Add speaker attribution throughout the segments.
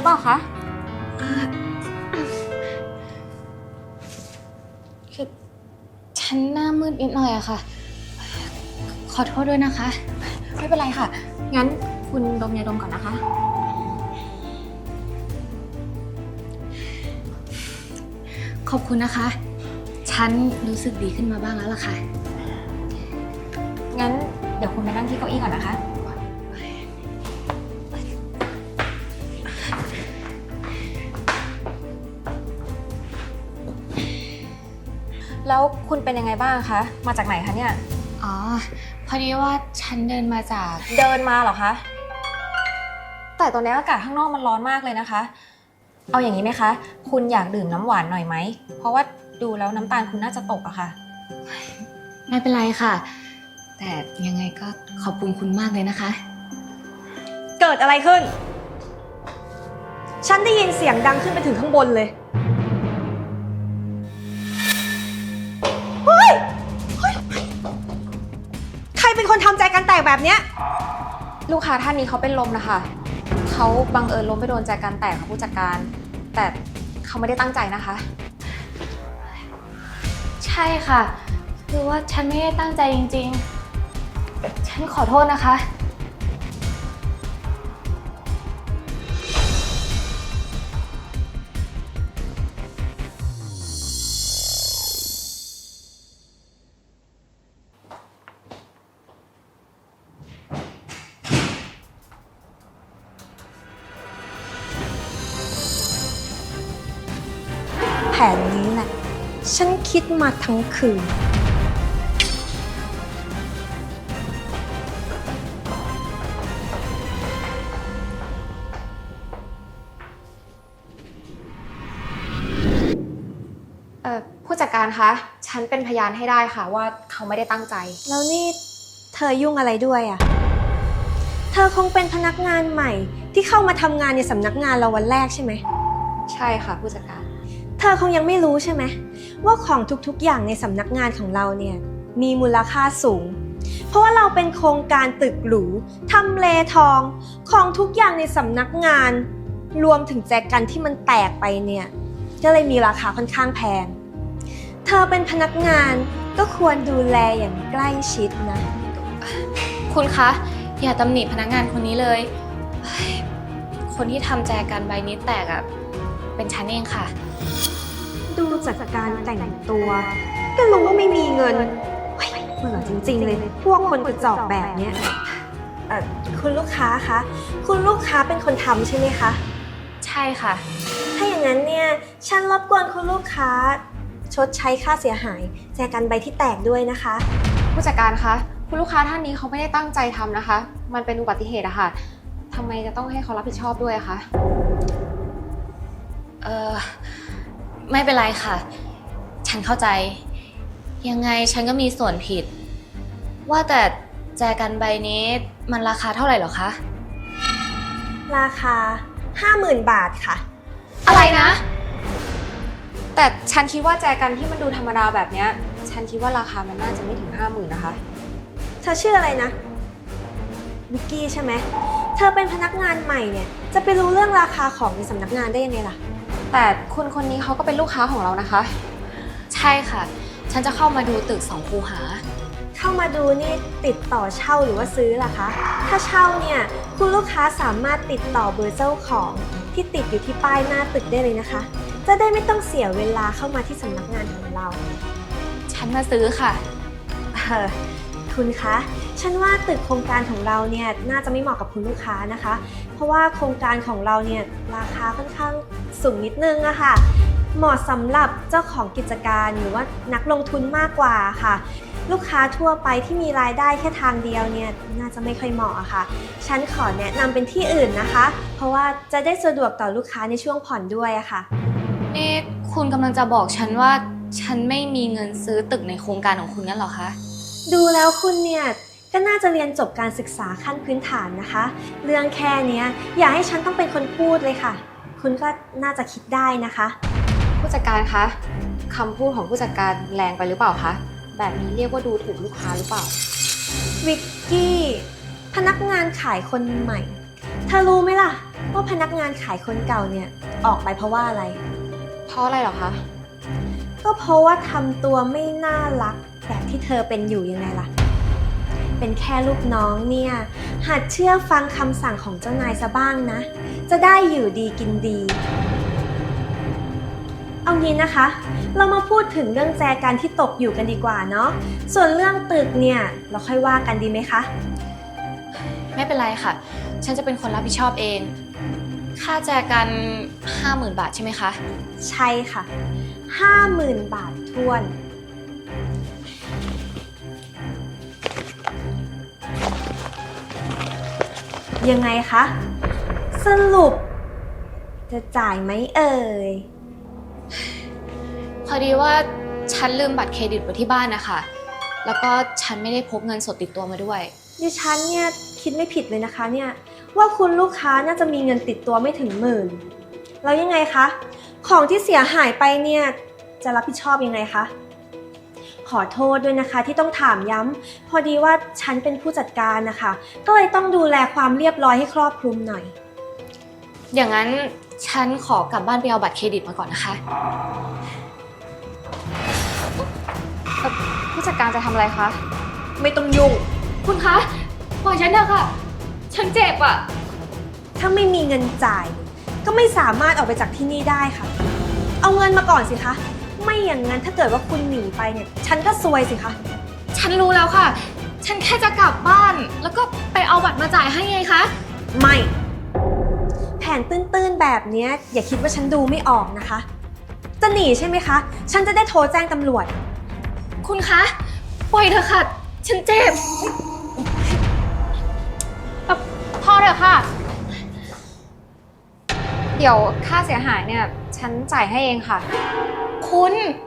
Speaker 1: ปล่าคะ
Speaker 2: คือฉันหน้ามืดนิดหน่อยอะค่ะ ขอโทษด้วยนะคะ
Speaker 1: ไม่เป็นไรค่ะงั้นคุณดมยาดมก่อนนะคะ
Speaker 2: ขอบคุณนะคะ ฉันรู้สึกดีขึ้นมาบ้างแล้วล่ะค่ะ
Speaker 1: งั้นเดี๋ยวคุณไปนั่งที่เก้าอี้ก่อนนะคะแล้วคุณเป็นยังไงบ้างคะมาจากไหนคะเนี่ย
Speaker 2: อ๋อ พอดีว่าฉันเดินมาจาก
Speaker 1: เดินมาเหรอคะแต่ตอนนี้อากาศข้างนอกมันร้อนมากเลยนะคะเอาอย่างนี้ไหมคะคุณอยากดื่มน้ำหวานหน่อยไหมเพราะว่าดูแล้วน้ำตาลคุณน่าจะตกอะค่ะ
Speaker 2: ไม่เป็นไรค่ะ แต่ยังไงก็ขอบคุณคุณมากเลยนะคะ
Speaker 3: เกิดอะไรขึ้น ฉันได้ยินเสียงดังขึ้นไปถึงข้างบนเลยเฮ้ยใครเป็นคนทำใจกันแตกแบบเนี้ย
Speaker 1: ลูกค้าท่านนี้เขาเป็นลมนะคะเขาบังเอิญล้มไปโดนแจกันแตกค่ะผู้จัดการแต่เขาไม่ได้ตั้งใจนะคะ
Speaker 2: ใช่ค่ะ คือว่าฉันไม่ได้ตั้งใจจริงๆ ฉันขอโทษนะคะ
Speaker 3: แผนนี้แหละ ฉันคิดมาทั้งคืน
Speaker 1: ผู้จัดการคะฉันเป็นพยานให้ได้ค่ะว่าเขาไม่ได้ตั้งใจ
Speaker 3: แล้วนี่เธอยุ่งอะไรด้วยอ่ะ เธอคงเป็นพนักงานใหม่ที่เข้ามาทำงานในสำนักงานเราวันแรกใช่ไหม
Speaker 1: ใช่ค่ะผู้จัดการ
Speaker 3: เธอคงยังไม่รู้ใช่ไหมว่าของทุกๆอย่างในสำนักงานของเราเนี่ยมีมูลค่าสูง เพราะว่าเราเป็นโครงการตึกหรูทำเลทองของทุกอย่างในสำนักงานรวมถึงแจกันที่มันแตกไปเนี่ยก็เลยมีราคาค่อนข้างแพงเธอเป็นพนักงานก็ควรดูแลอย่างใกล้ชิดนะ
Speaker 2: คุณคะ อย่าตำหนิพนักงานคนนี้เลย คนที่ทำแจกันใบนี้แตกอะเป็นฉันเองค่ะ
Speaker 3: ดูจากการแต่งตัวก็รู้ว่าไม่มีเงินเบื่อจริงๆเลยพวกคนกระจอกแบบเนี้ยคุณลูกค้าคะคุณลูกค้าเป็นคนทำใช่ไหมคะ
Speaker 2: ใช่ค่ะ
Speaker 3: ถ้าอย่างนั้นเนี่ยฉันรบกวนคุณลูกค้าชดใช้ค่าเสียหายแจกันใบที่แตกด้วยนะคะ
Speaker 1: ผู้จัดการคะคุณลูกค้าท่านนี้เขาไม่ได้ตั้งใจทำนะคะมันเป็นอุบัติเหตุอะค่ะทำไมจะต้องให้เขารับผิดชอบด้วยคะ
Speaker 2: ไม่เป็นไรค่ะ ฉันเข้าใจ ยังไงฉันก็มีส่วนผิด ว่าแต่แจกันใบนี้มันราคาเท่าไหร่หรอคะ
Speaker 3: ราคา 50,000 บาทค่ะ
Speaker 2: อะไรนะ
Speaker 1: แต่ฉันคิดว่าแจกันที่มันดูธรรมดาแบบเนี้ยฉันคิดว่าราคามันน่าจะไม่ถึง 50,000นะคะ
Speaker 3: เธอชื่ออะไรนะวิกกี้ใช่ไหมเธอเป็นพนักงานใหม่เนี่ยจะไปรู้เรื่องราคาของในสำนักงานได้ยังไงล่ะ
Speaker 1: แต่คุณคนนี้เขาก็เป็นลูกค้าของเรานะคะ
Speaker 2: ใช่ค่ะ ฉันจะเข้ามาดูตึก2 คูหา
Speaker 3: เข้ามาดูนี่ติดต่อเช่าหรือว่าซื้อล่ะคะถ้าเช่าเนี่ยคุณลูกค้าสามารถติดต่อเบอร์เจ้าของที่ติดอยู่ที่ป้ายหน้าตึกได้เลยนะคะจะได้ไม่ต้องเสียเวลาเข้ามาที่สำนักงานของเรา
Speaker 2: ฉันมาซื้อค่ะ
Speaker 3: คุณคะฉันว่าตึกโครงการของเราเนี่ยน่าจะไม่เหมาะกับคุณลูกค้านะคะเพราะว่าโครงการของเราเนี่ยราคาค่อนข้างสูงนิดนึงอะค่ะเหมาะสำหรับเจ้าของกิจการหรือว่านักลงทุนมากกว่าค่ะลูกค้าทั่วไปที่มีรายได้แค่ทางเดียวเนี่ยน่าจะไม่ค่อยเหมาะอะค่ะฉันขอแนะนำเป็นที่อื่นนะคะเพราะว่าจะได้สะดวกต่อลูกค้าในช่วงผ่อนด้วยอะค่ะ
Speaker 2: นี่คุณกำลังจะบอกฉันว่าฉันไม่มีเงินซื้อตึกในโครงการของคุณงั้นเหรอคะ
Speaker 3: ดูแล้วคุณเนี่ยก็น่าจะเรียนจบการศึกษาขั้นพื้นฐานนะคะเรื่องแค่นี้อย่าให้ฉันต้องเป็นคนพูดเลยค่ะคุณก็น่าจะคิดได้นะคะ
Speaker 1: ผู้จัดการคะคำพูดของผู้จัดการแรงไปหรือเปล่าคะแบบนี้เรียกว่าดูถูกลูกค้าหรือเปล่า
Speaker 3: วิกกี้พนักงานขายคนใหม่เธอรู้ไหมล่ะว่าพนักงานขายคนเก่าเนี่ยออกไปเพราะว่าอะไร
Speaker 1: เพราะอะไรเหรอคะ
Speaker 3: ก็เพราะว่าทำตัวไม่น่ารักแบบที่เธอเป็นอยู่ยังไงล่ะ เป็นแค่ลูกน้องเนี่ยหัดเชื่อฟังคำสั่งของเจ้านายซะบ้างนะ จะได้อยู่ดีกินดี เอางี้นะคะ เรามาพูดถึงเรื่องแจกันที่ตกอยู่กันดีกว่าเนาะ ส่วนเรื่องตึกเนี่ยเราค่อยว่ากันดีไหมคะ
Speaker 2: ไม่เป็นไรค่ะ ฉันจะเป็นคนรับผิดชอบเอง ค่าแจกัน 50,000 บาทใช่ไหมคะ
Speaker 3: ใช่ค่ะ 50,000 บาททวน ยังไงคะ สรุป จะจ่ายไหมเอ่ย
Speaker 2: พอดีว่าฉันลืมบัตรเครดิตไว้ที่บ้านนะคะ แล้วก็ฉันไม่ได้พกเงินสดติดตัวมาด้วย
Speaker 3: ดิฉันเนี่ยคิดไม่ผิดเลยนะคะเนี่ยว่าคุณลูกค้าน่าจะมีเงินติดตัวไม่ถึง10,000แล้วยังไงคะ ของที่เสียหายไปเนี่ยจะรับผิดชอบยังไงคะขอโทษด้วยนะคะที่ต้องถามย้ำพอดีว่าฉันเป็นผู้จัดการนะคะก็เลยต้องดูแลความเรียบร้อยให้ครอบคลุมหน่อย
Speaker 2: อย่างนั้นฉันขอกลับบ้านไปเอาบัตรเครดิตมาก่อนนะคะ
Speaker 1: ผู้จัดการจะทำอะไรคะ
Speaker 3: ไม่ต้องยุ่ง
Speaker 2: คุณคะ ปล่อยฉันเถอะค่ะ ฉันเจ็บอ่ะ
Speaker 3: ถ้าไม่มีเงินจ่าย ก็ไม่สามารถออกไปจากที่นี่ได้ค่ะ เอาเงินมาก่อนสิคะไม่อย่างนั้นถ้าเกิดว่าคุณหนีไปเนี่ยฉันก็ซวยสิคะ
Speaker 2: ฉันรู้แล้วค่ะ ฉันแค่จะกลับบ้าน แล้วก็ไปเอาบัตรมาจ่ายให้ไงคะ
Speaker 3: ไม่ แผนตื้นๆแบบเนี้ยอย่าคิดว่าฉันดูไม่ออกนะคะ จะหนีใช่ไหมคะ ฉันจะได้โทรแจ้งตำรวจ
Speaker 2: คุณคะ ปล่อยเถอะค่ะ ฉันเจ็บ
Speaker 1: พอเถอะค่ะ เดี๋ยวค่าเสียหายเนี่ย ฉันจ่ายให้เองค่ะ
Speaker 2: คุณ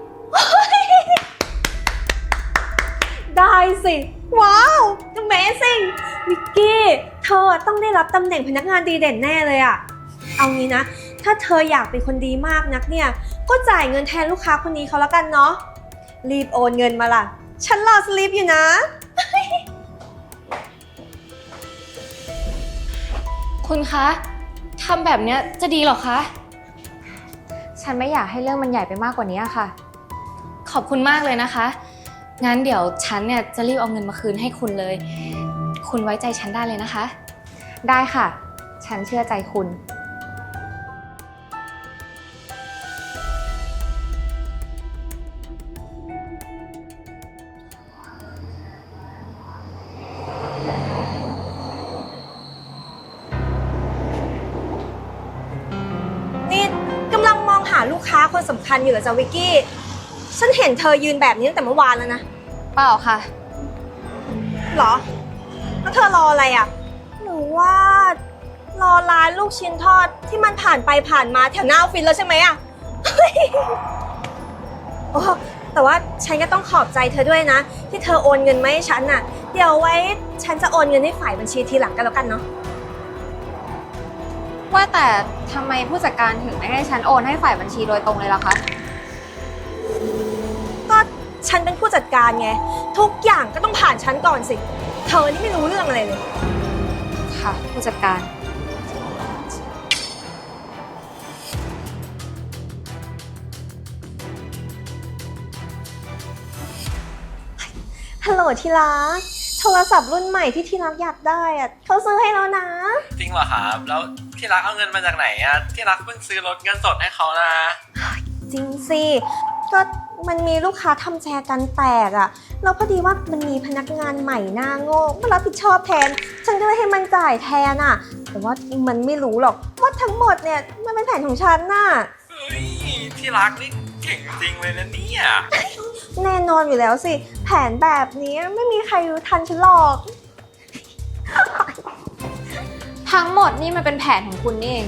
Speaker 3: ได้สิ ว้าว Amazing มิกกี้เธอต้องได้รับตำแหน่งพนักงานดีเด่นแน่เลยอะเอางี้นะ ถ้าเธออยากเป็นคนดีมากนักเนี่ย ก็จ่ายเงินแทนลูกค้าคนนี้เขาแล้วกันเนาะ รีบโอนเงินมาล่ะ ฉันรอสลิปอยู่นะ
Speaker 2: คุณคะ ทำแบบเนี้ยจะดีเหรอคะ
Speaker 1: ฉันไม่อยากให้เรื่องมันใหญ่ไปมากกว่านี้ค่ะ
Speaker 2: ขอบคุณมากเลยนะคะ งั้นเดี๋ยวฉันเนี่ยจะรีบเอาเงินมาคืนให้คุณเลย คุณไว้ใจฉันได้เลยนะคะ
Speaker 1: ได้ค่ะ ฉันเชื่อใจคุณ
Speaker 3: นี่กำลังมองหาลูกค้าคนสำคัญอยู่เหรอจ๊ะวิกกี้ ฉันเห็นเธอยืนแบบนี้ตั้งแต่เมื่อวานแล้วนะ
Speaker 1: เปล่าค่ะ
Speaker 3: หรอ แล้วเธอรออะไรอ่ะ หรือว่ารอร้านลูกชิ้นทอดที่มันผ่านไปผ่านมาแถวหน้าออฟฟิศแล้วใช่ไหมอ่ะ โอ้แต่ว่าฉันก็ต้องขอบใจเธอด้วยนะ ที่เธอโอนเงินมาให้ฉันน่ะ เดี๋ยวไว้ฉันจะโอนเงินให้ฝ่ายบัญชีทีหลังกันแล้วกันเนาะ
Speaker 1: ว่าแต่ทำไมผู้จัดการถึงไม่ให้ฉันโอนให้ฝ่ายบัญชีโดยตรงเลยล่ะคะ
Speaker 3: ก็ฉันเป็นผู้จัดการไง ทุกอย่างก็ต้องผ่านฉันก่อนสิ เธอนี่ไม่รู้เรื่องอะไรเลย
Speaker 1: ค่ะ ผู้จัดการ
Speaker 3: ฮัลโหลที่รัก โทรศัพท์รุ่นใหม่ที่ที่รักอยากได้อะเขาซื้อให้แล้วนะ
Speaker 4: จริงเหรอครับ แล้วที่รักเอาเงินมาจากไหนอะที่รักเพิ่งซื้อรถเงินสดให้เขานะ
Speaker 3: จริงสิ ก็มันมีลูกค้าทำแชร์กันแตกอะแล้วพอดีว่ามันมีพนักงานใหม่หน้าโง่มารับผิดชอบแทน ฉันก็เลยให้มันจ่ายแทนอะแต่ว่ามันไม่รู้หรอกว่าทั้งหมดเนี่ยมันเป็นแผนของฉันน่ะ
Speaker 4: เฮ้ยที่รักนี่เก่งจริงเลยนะเนี่ย
Speaker 3: แน่นอนอยู่แล้วสิ แผนแบบนี้ไม่มีใครรู้ทันฉันหรอก
Speaker 1: ทั้งหมดนี่มันเป็นแผนของคุณนี่เอง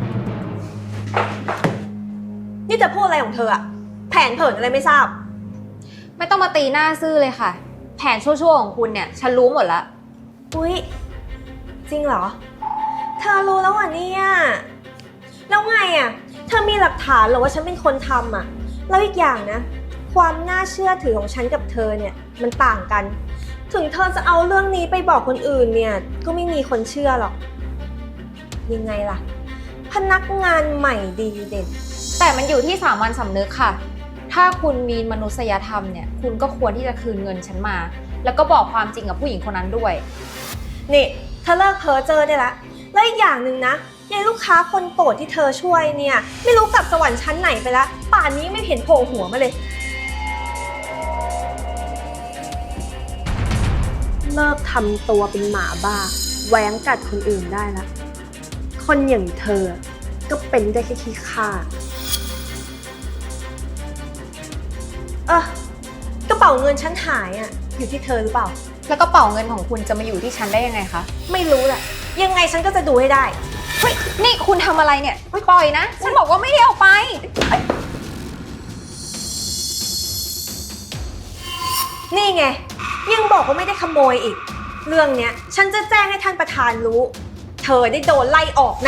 Speaker 3: นี่จะพูดอะไรของเธออะแผนเผินอะไรไม่ทราบ
Speaker 1: ไม่ต้องมาตีหน้าซื่อเลยค่ะ แผนชั่วๆของคุณเนี่ย ฉันรู้หมดแล้ว
Speaker 3: อุ๊ย จริงเหรอ เธอรู้แล้วเหรอเนี่ยแล้วไงอะเธอมีหลักฐานเหรอว่าฉันเป็นคนทำอะแล้วอีกอย่างนะ ความน่าเชื่อถือของฉันกับเธอเนี่ยมันต่างกัน ถึงเธอจะเอาเรื่องนี้ไปบอกคนอื่นเนี่ยก็ไม่มีคนเชื่อหรอกยังไงล่ะพนักงานใหม่ดีเด่น
Speaker 1: แต่มันอยู่ที่สามัญสำนึกค่ะ ถ้าคุณมีมนุษยธรรมเนี่ย คุณก็ควรที่จะคืนเงินฉันมา แล้วก็บอกความจริงกับผู้หญิงคนนั้นด้วย
Speaker 3: นี่เธอเลิกเพ้อเจ้อได้ละแล้วอีกอย่างหนึ่งนะยายลูกค้าคนโปรดที่เธอช่วยเนี่ยไม่รู้กลับสวรรค์ชั้นไหนไปละป่านนี้ไม่เห็นโผล่หัวมาเลยเลิกทำตัวเป็นหมาบ้าแหวงกัดคนอื่นได้ละคนอย่างเธอก็เป็นได้แค่ขี้ข้ากระเป๋าเงินฉันหายอ่ะอยู่ที่เธอหรือเปล่า
Speaker 1: แล้วก็เป๋าเงินของคุณจะมาอยู่ที่ฉันได้ยังไงคะ
Speaker 3: ไม่รู้แหละยังไงฉันก็จะดูให้ได้
Speaker 1: เฮ้ย นี่คุณทำอะไรเนี่ยปล่อยนะ ฉันบอกว่าไม่ได้เอาไป
Speaker 3: นี่ไงยังบอกว่าไม่ได้ขโมยอีก เรื่องเนี้ยฉันจะแจ้งให้ท่านประธานรู้ เธอได้โดนไล่ออกแน่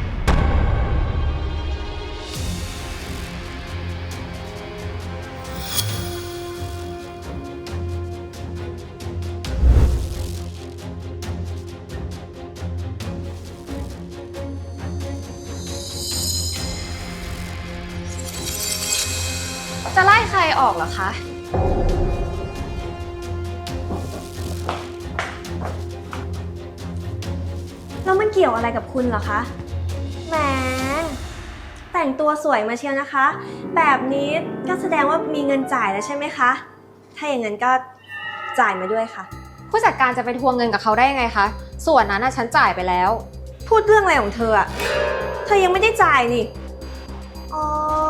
Speaker 2: จะไล่ใครออกเหรอคะ
Speaker 3: แล้วมันเกี่ยวอะไรกับคุณเหรอคะแหมแต่งตัวสวยมาเชียวนะคะ แบบนี้ก็แสดงว่ามีเงินจ่ายแล้วใช่ไหมคะ ถ้าอย่างนั้นก็จ่ายมาด้วยค่ะ
Speaker 1: ผู้จัดการจะไปทวงเงินกับเขาได้ยังไงคะ ส่วนนั้นฉันจ่ายไปแล้ว
Speaker 3: พูดเรื่องอะไรของเธออะเธอยังไม่ได้จ่ายนี่ อ๋อ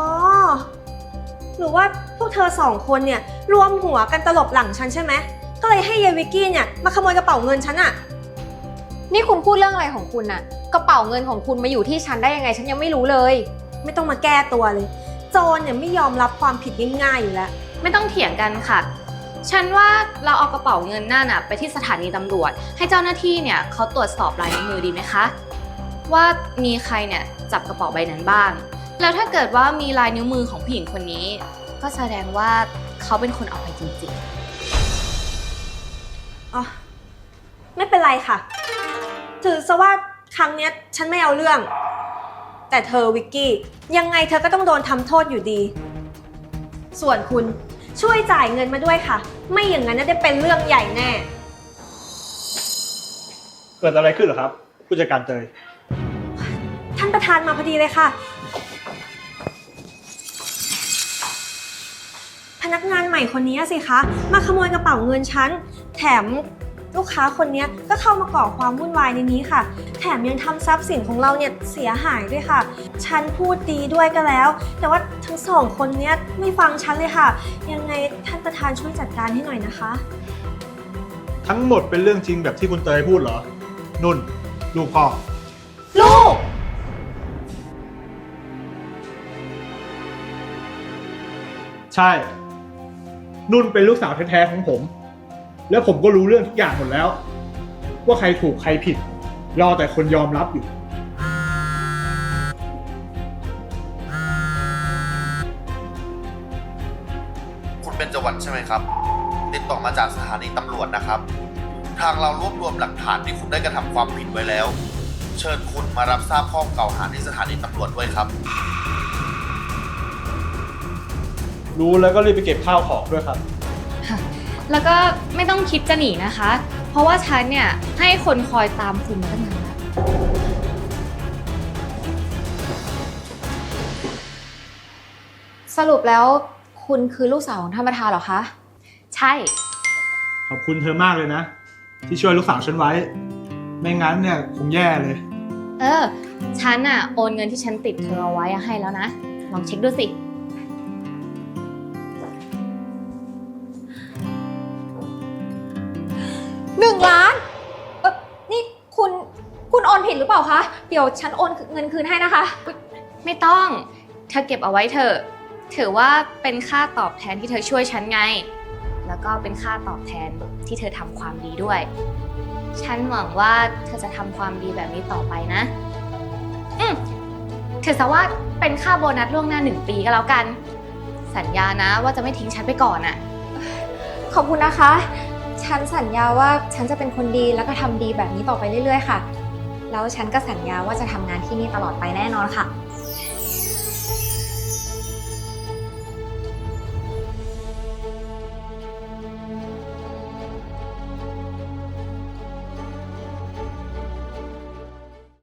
Speaker 3: หรือว่าพวกเธอสองคนเนี่ยรวมหัวกันตลบหลังฉันใช่ไหม ก็เลยให้ยายวิกกี้เนี่ยมาขโมยกระเป๋าเงินฉันอะ
Speaker 1: นี่คุณพูดเรื่องอะไรของคุณน่ะ กระเป๋าเงินของคุณมาอยู่ที่ฉันได้ยังไง ฉันยังไม่รู้เลย
Speaker 3: ไม่ต้องมาแก้ตัวเลย โจรเนี่ยไม่ยอมรับความผิดง่ายๆอยู่แล้ว
Speaker 2: ไม่ต้องเถียงกันค่ะ ฉันว่าเราเอากระเป๋าเงินนั่นน่ะไปที่สถานีตำรวจ ให้เจ้าหน้าที่เนี่ยเขาตรวจสอบลายนิ้วมือดีไหมคะ ว่ามีใครเนี่ยจับกระเป๋าใบนั้นบ้าง แล้วถ้าเกิดว่ามีลายนิ้วมือของผู้หญิงคนนี้ ก็แสดงว่าเขาเป็นคนเอาไปจริง
Speaker 3: อ๋อ ไม่เป็นไรค่ะ ถือซะว่าครั้งเนี้ยฉันไม่เอาเรื่อง แต่เธอวิกกี้ยังไงเธอก็ต้องโดนทำโทษอยู่ดี ส่วนคุณช่วยจ่ายเงินมาด้วยค่ะ ไม่อย่างนั้นน่าจะเป็นเรื่องใหญ่แน่
Speaker 5: เกิดอะไรขึ้นเหรอครับ ผู้จัดการเตย
Speaker 3: ท่านประธานมาพอดีเลยค่ะ พนักงานใหม่คนนี้สิคะมาขโมยกระเป๋าเงินฉันแถมลูกค้าคนนี้ก็เข้ามาก่อความวุ่นวายในนี้ค่ะ แถมยังทำทรัพย์สินของเราเนี่ยเสียหายด้วยค่ะ ฉันพูดดีด้วยก็แล้ว แต่ว่าทั้งสองคนเนี้ยไม่ฟังฉันเลยค่ะ ยังไงท่านประธานช่วยจัดการให้หน่อยนะคะ
Speaker 5: ทั้งหมดเป็นเรื่องจริงแบบที่คุณเตยพูดเหรอ นุ่น ลูกพ่อ
Speaker 3: ลูก
Speaker 5: ใช่ นุ่นเป็นลูกสาวแท้ๆของผม แล้วผมก็รู้เรื่องทุกอย่างหมดแล้ว ว่าใครถูกใครผิด รอแต่คนยอมรับอยู่
Speaker 6: คุณเบญจวรรณใช่ไหมครับ ติดต่อมาจากสถานีตำรวจนะครับ ทางเรารวบรวมหลักฐานที่คุณได้กระทำความผิดไว้แล้ว เชิญคุณมารับทราบข้อกล่าวหาที่สถานีตำรวจด้วยครับ
Speaker 5: รู้แล้วก็รีบไปเก็บข้าวของด้วยครับ
Speaker 2: ๆ แล้วก็ไม่ต้องคิดจะหนีนะคะ เพราะว่าฉันเนี่ยให้คนคอยตามคุณมาตั้งนานแล้ว
Speaker 1: สรุปแล้วคุณคือลูกสาวของท่านประธานเหรอคะ
Speaker 2: ใช่
Speaker 5: ขอบคุณเธอมากเลยนะ ที่ช่วยลูกสาวฉันไว้ ไม่งั้นเนี่ยคงแย่เลย
Speaker 2: ฉันอะโอนเงินที่ฉันติดเธอเอาไว้ให้แล้วนะ ลองเช็คดูสิ
Speaker 1: 1 ล้านนี่คุณโอนผิดหรือเปล่าคะ เดี๋ยวฉันโอนเงินคืนให้นะคะ
Speaker 2: ไม่ต้อง เธอเก็บเอาไว้เถอะ ถือว่าเป็นค่าตอบแทนที่เธอช่วยฉันไง แล้วก็เป็นค่าตอบแทนที่เธอทำความดีด้วย ฉันหวังว่าเธอจะทำความดีแบบนี้ต่อไปนะถือซะว่าเป็นค่าโบนัสล่วงหน้า1 ปีก็แล้วกัน สัญญานะว่าจะไม่ทิ้งฉันไปก่อนอะ
Speaker 1: ขอบคุณนะคะ ฉันสัญญาว่าฉันจะเป็นคนดีแล้วก็ทำดีแบบนี้ต่อไปเรื่อยๆค่ะแล้วฉันก็สัญญาว่าจะทำงานที่นี่ตลอดไปแน่นอนค่ะ